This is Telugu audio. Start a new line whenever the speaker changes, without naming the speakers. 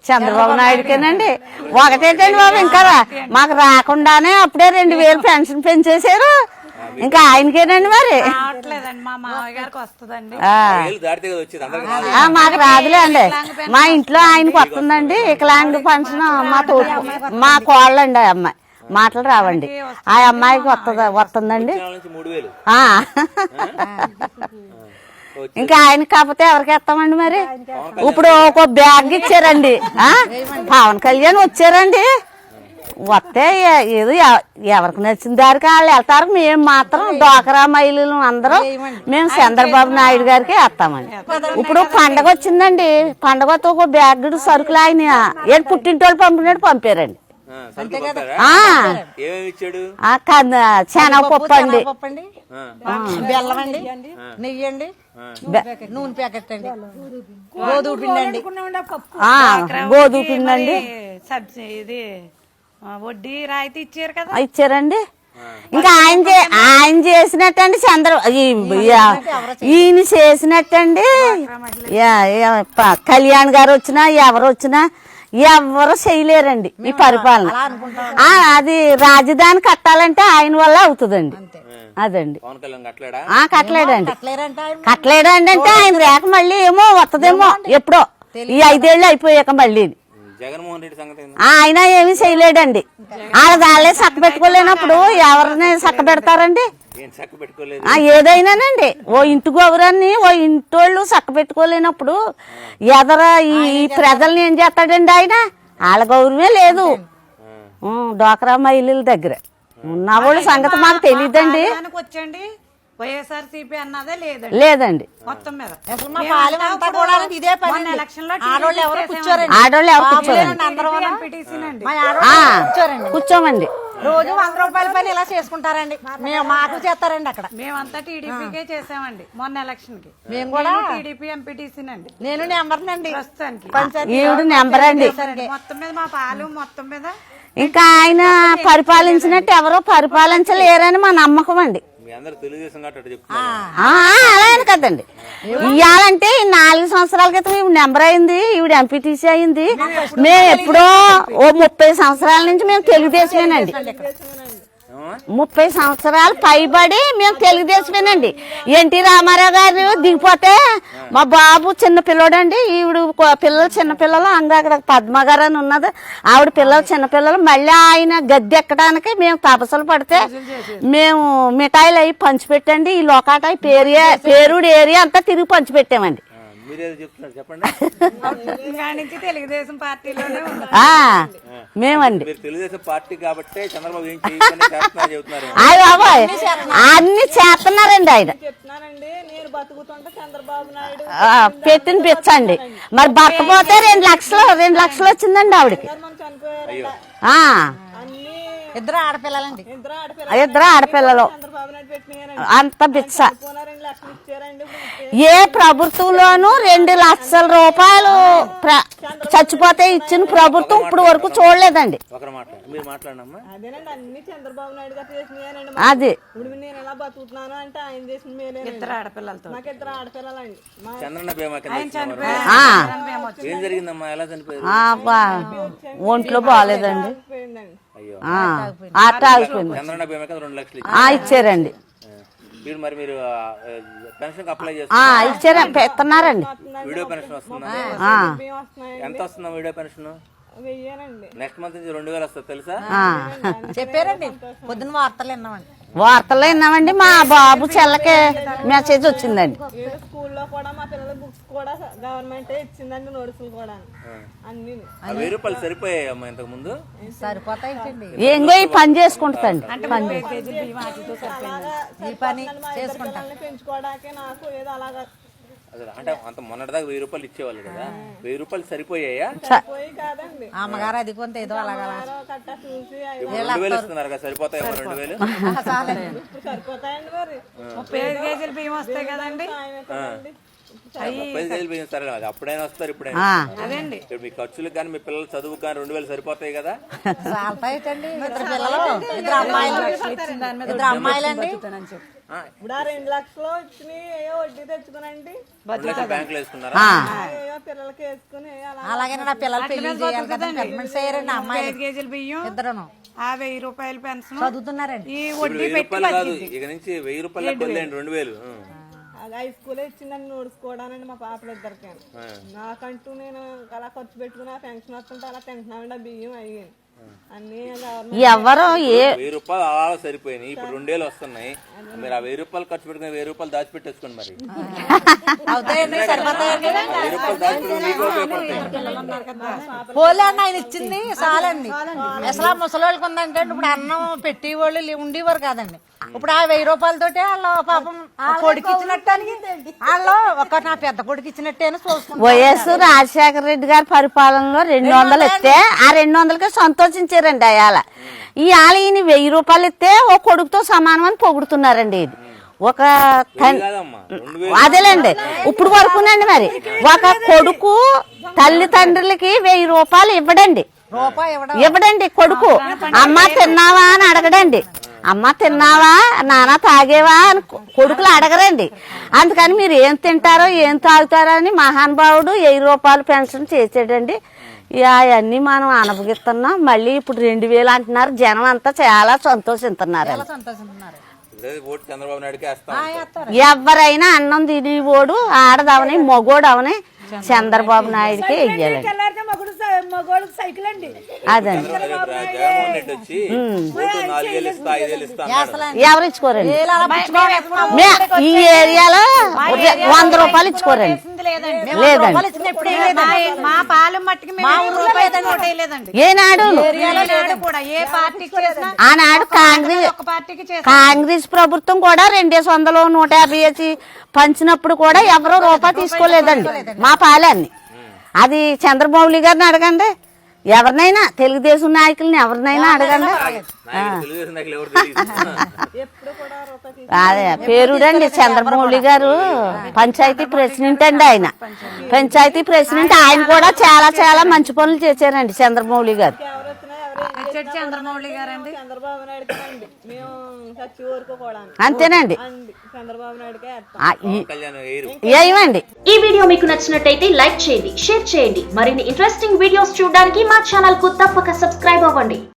చంద్రబాబు నాయుడుకేనండి. ఒకటేటండి బాబు, ఇంకా మాకు రాకుండానే అప్పుడే 2000 పెన్షన్ పెంచేశారు. ఇంకా ఆయనకేనండి మరి. మాకు రాదులే అండి. మా ఇంట్లో ఆయనకు వస్తుందండి వికలాంగ్ పెన్షన్. మా కోళ్ళండి ఆ అమ్మాయి, మాటలు రావండి. ఆ అమ్మాయికి వస్తుందండి. ఇంకా ఆయన కాకపోతే ఎవరికి ఇస్తామండి మరి. ఇప్పుడు ఒక బ్యాగ్ ఇచ్చారండి. పవన్ కళ్యాణ్ వచ్చారండి. వస్తే ఏదో ఎవరికి నచ్చిన దారికి వాళ్ళు వెళ్తారు. మేము మాత్రం డోకరా మహిళలు అందరూ మేము చంద్రబాబు నాయుడు గారికి వేస్తామండి. ఇప్పుడు పండగ వచ్చిందండి. పండగ వస్తే ఒక బ్యాగ్ సరుకులు ఆయన ఏడు పుట్టింటోళ్ళు పంపినట్టు పంపారండి. శనగపప్పు అండి,
బెల్లం అండి, నెయ్యి అండి, నూనె ప్యాకెట్ అండి, గోధుమ పిండి అండి,
గోధుమ పిండి అండి.
ఇది వడ్డీ రాయితీ ఇచ్చారు కదా,
ఇచ్చారండి. ఇంకా ఆయన చేసినట్టండి ఈయన చేసినట్టండి. కళ్యాణ్ గారు వచ్చినా ఎవరు వచ్చినా ఎవరు చేయలేరండి ఈ పరిపాలన. అది రాజధాని కట్టాలంటే ఆయన వల్ల అవుతుందండి. అదండి కట్టలేడండి. అంటే ఆయన రేఖ మళ్ళీ ఏమో వస్తుందేమో ఎప్పుడో ఈ 5 ఏళ్ళు అయిపోయాక మళ్ళీ.
జగన్మోహన్ రెడ్డి సంగతి
ఆయన ఏమీ చేయలేడండి. వాళ్ళే చక్క పెట్టుకోలేనప్పుడు ఎవరిని చక్క పెడతారండి? ఏదైనానండి ఓ ఇంటి గౌరాన్ని ఓ ఇంటోళ్ళు చక్క పెట్టుకోలేనప్పుడు ఎదర ఈ ప్రజల్ని ఏం చేస్తాడండి ఆయన? వాళ్ళ గౌరవమే లేదు డోక్రా మహిళల దగ్గర. ఉన్నవాళ్ళు సంగతి మాకు తెలియదండి.
వైఎస్ఆర్సీపీ అన్నదే
లేదండి
మొత్తం మీద.
ఆడోళ్ళు ఎవరు కూర్చోమండి.
రోజు 100 రూపాయల పని ఇలా చేసుకుంటారండి. మాకు చేస్తారండి అక్కడ.
మేమంతా టీడీపీకే చేసామండి మొన్న ఎలక్షన్ కి.
మేము కూడా
టీడీపీ ఎంపీటీసీనండి.
నేను నెంబర్నండి
ప్రస్తుతానికి.
ఈవిడ నెంబర్ అండి.
మొత్తం మీద మా పాలు మొత్తం మీద.
ఇంకా ఆయన పరిపాలించినట్టు ఎవరో పరిపాలించలేరని మా నమ్మకం అండి. అలాగే కదండి. ఇవ్వాలంటే 4 సంవత్సరాల క్రితం ఈవిడ నెంబర్ అయింది, ఈవిడ ఎంపీటీసీ అయింది. మేము ఎప్పుడో ఓ 30 సంవత్సరాల నుంచి మేము తెలుగుదేశమేనండి. 30 సంవత్సరాలు పైబడి మేము తెలుగుదేశమేనండి. ఎన్టీ రామారావు గారు దిగిపోతే మా బాబు చిన్న పిల్లడండి, ఈవిడ పిల్లలు చిన్నపిల్లలు. అక్కడ పద్మ గారు అని ఉన్నది, ఆవిడ పిల్లలు చిన్నపిల్లలు. మళ్ళీ ఆయన గద్దె ఎక్కడానికి మేము తపస్సులు పడితే మేము మిఠాయిలు అవి పంచిపెట్టండి. ఈ లోకాట పేరుడు ఏరియా అంతా తిరిగి పంచిపెట్టామండి.
తెలుగుదేశం పార్టీలోనే
మేమండి.
తెలుగుదేశం పార్టీ కాబట్టి చంద్రబాబు
అన్ని చేస్తున్నారండి ఆయన. పెట్టిన పిచ్చండి. మరి భర్త పోతే 2 లక్షలు వచ్చిందండి ఆవిడకి.
ఇద్దరు ఆడపిల్లలండి.
ఇద్దరు ఆడపిల్లలు. అంత బిచ్చ. ఏ ప్రభుత్వంలోనూ 2 లక్షల రూపాయలు చచ్చిపోతే ఇచ్చిన ప్రభుత్వం ఇప్పుడు వరకు చూడలేదండి. అది
ఇద్దరు ఆడపిల్లలతో
ఒంట్లో బాగాలేదండి. ఆట ఆగిపోయింది. ఇచ్చారండి. ఇచ్చారా పెడుతున్నారండి.
వీడియో పెన్షన్ వస్తుందా? ఎంత వస్తుందా వీడియో పెన్షన్? నెక్స్ట్ మంత్ నుంచి 2000 వస్తుంది తెలుసా?
చెప్పారండి. పొద్దున్న
వార్తల్లో విన్నామండి. మా బాబు చెల్లకి మెసేజ్ వచ్చిందండి.
స్కూల్లో కూడా మా పిల్లల బుక్స్ కూడా గవర్నమెంట్ ఇచ్చిందండి. నోట్సులు కూడా అన్ని
1000 రూపాయలు సరిపోయాయమ్మా ఇంతకు ముందు?
సరిపోతాయండి.
ఏంగో ఈ పని చేసుకుంటాండి.
ఈ పని చేసుకుంటా
పెంచుకోవడానికి నాకు ఏదో అలాగా.
అంటే అంత మొన్నటిదాకా 1000 రూపాయలు ఇచ్చేవాళ్ళు కదా, 1000 రూపాయలు సరిపోయాయా?
కాదండి
అమ్మగారు అది కొంత ఏదో అలాగా
కట్ట చూసి
2000 ఇస్తున్నారు కదా, సరిపోతాయేమో 2000?
సరిపోతాయండి. మరి
35 కేజీలు బియ్యం వస్తాయి కదండి.
35,000 బియ్యం సరే, అది అప్పుడైనా వస్తారు, ఇప్పుడైనా
అదండి.
ఇప్పుడు మీ ఖర్చులకు కానీ మీ పిల్లల చదువుకు కానీ 2,000 సరిపోతాయి కదా.
చాలతాయిటండి. ఇద్దరు పిల్లలు, ఇద్దరు అమ్మాయిలు, ఇద్దరు అమ్మాయిలండి.
ఇప్పుడు ఆ 2 లక్షలు వచ్చినాయి ఏయో వడ్డీ తెచ్చుకునండి,
2 లక్షలు బ్యాంకులో వేసుకున్నారా?
ఏయో పిల్లలకి వేసుకుని అలా
అలాగే నా పిల్లలు పెళ్లి చేయాలి కదా, పెర్మనెంట్ చేయరండి అమ్మాయిలు
5 కేజీల బియ్యం,
ఇద్దరును
ఆ 1,000 రూపాయల పెన్షన్,
చదువుతున్నారండి.
ఈ
ఇప్పుడు
వడ్డీ
1,000
పెట్టి
రూపాయలు కాదు, ఇక నుంచి 1,000 రూపాయలు వదిలేండి, 2,000.
అది హై స్కూల్ ఇచ్చిందని నోడుచుకోవడానికి మా పాపలు ఇద్దరికి. నాకంటూ నేను అలా ఖర్చు పెట్టుకుని పెన్షన్ వస్తుంటే అలా తింటున్నామండి. ఆ బియ్యం అయ్యాను అన్ని
ఎవరు
1,000 రూపాయలు అలా సరిపోయినాయి, ఇప్పుడు 2,000 వస్తున్నాయి. మీరు ఆ 1,000 రూపాయలు ఖర్చు పెట్టుకుని 1,000 రూపాయలు దాచిపెట్టేసుకోండి. మరి
అవుతాయండి, సరిపోతాయండి.
1,000 రూపాయలు దాచిపెట్టుకుని మీకు ఉపయోగపడతాయి.
పోలే అన్న ఆయన ఇచ్చింది చాలండి. అసలు ఆ ముసలోళ్ళకి ఉందంటే ఇప్పుడు అన్నం పెట్టేవాళ్ళు ఉండేవారు కాదండి. ఇప్పుడు ఆ 1,000 రూపాయలతోటి వాళ్ళు పాపం కొడుకు ఇచ్చినట్టు వాళ్ళు ఒక నా పెద్ద కొడుకు ఇచ్చినట్టేనా చూసుకుంటారు.
వైఎస్ రాజశేఖర రెడ్డి గారి పరిపాలనలో 200 ఇస్తే ఆ 200కి సంతోషించారండి. అయాల ఇవాళ ఈయన 1,000 రూపాయలు ఇస్తే ఓ కొడుకుతో సమానం అని పొగుడుతున్నారండి. ఇది ఒక అదేలేండి ఇప్పుడు వరకునండి. మరి ఒక కొడుకు తల్లిదండ్రులకి 1,000 రూపాయలు ఇవ్వడండి, ఇవ్వడండి. కొడుకు అమ్మ తిన్నావా అని అడగడండి, అమ్మ తిన్నావా నాన్న తాగేవా అని కొడుకులు అడగరండి. అందుకని మీరు ఏం తింటారో ఏం తాగుతారో అని మహానుభావుడు 1,000 రూపాయలు పెన్షన్ చేసాడండి. అవన్నీ మనం అనుభవిస్తున్నాం. మళ్ళీ ఇప్పుడు 2,000 అంటున్నారు. జనం అంతా చాలా సంతోషిస్తున్నారు.
ఓటు చంద్రబాబు నాయుడుకి వేస్తాం.
ఎవరైనా అన్నం తిని ఓడు ఆడదవని మగోడు అవని చంద్రబాబు నాయుడుకి వెయ్యాలండి. అదండి
జగన్మోహన్ రెడ్డి వచ్చి ఓటు 4,000 ఇస్తా 5,000 ఇస్తా అన్నాడు.
ఎవరు ఇచ్చుకోరండి. ఈ ఏరియాలో 100 రూపాయలు ఇచ్చుకోరండి. లేదండి.
మా పాలెం మట్టికి లేదండి.
ఏనాడు
కూడా ఏ పార్టీకి చేసినా
ఆనాడు కాంగ్రెస్ ప్రభుత్వం కూడా 200, 150 వేసి పంచినప్పుడు కూడా ఎవరో రూపాయి తీసుకోలేదండి మా పాలెన్ని. అది చంద్రబాబు గారిని అడగండి, ఎవరినైనా తెలుగుదేశం నాయకుల్ని ఎవరినైనా అడగండి.
తెలుగుదేశం నాయకులు ఎవరు తెలియదు.
అదే పేరుడండి చంద్రబాబు గారు. పంచాయతీ ప్రెసిడెంట్ అండి ఆయన. పంచాయతీ ప్రెసిడెంట్ ఆయన కూడా చాలా చాలా మంచి పనులు చేశారండి చంద్రబాబు గారు.
చంద్రబాబు గారండి,
చంద్రబాబు నాయుడుకి అండి మేము చచ్చి వరకు కూడా
అంతేనండి.
చంద్రబాబు నాయుడుకే
ఏమండి.
ఈ వీడియో మీకు నచ్చినట్టయితే లైక్ చేయండి, షేర్ చేయండి. మరిన్ని ఇంట్రెస్టింగ్ వీడియోస్ చూడడానికి మా ఛానల్ కు తప్పక సబ్స్క్రైబ్ అవ్వండి.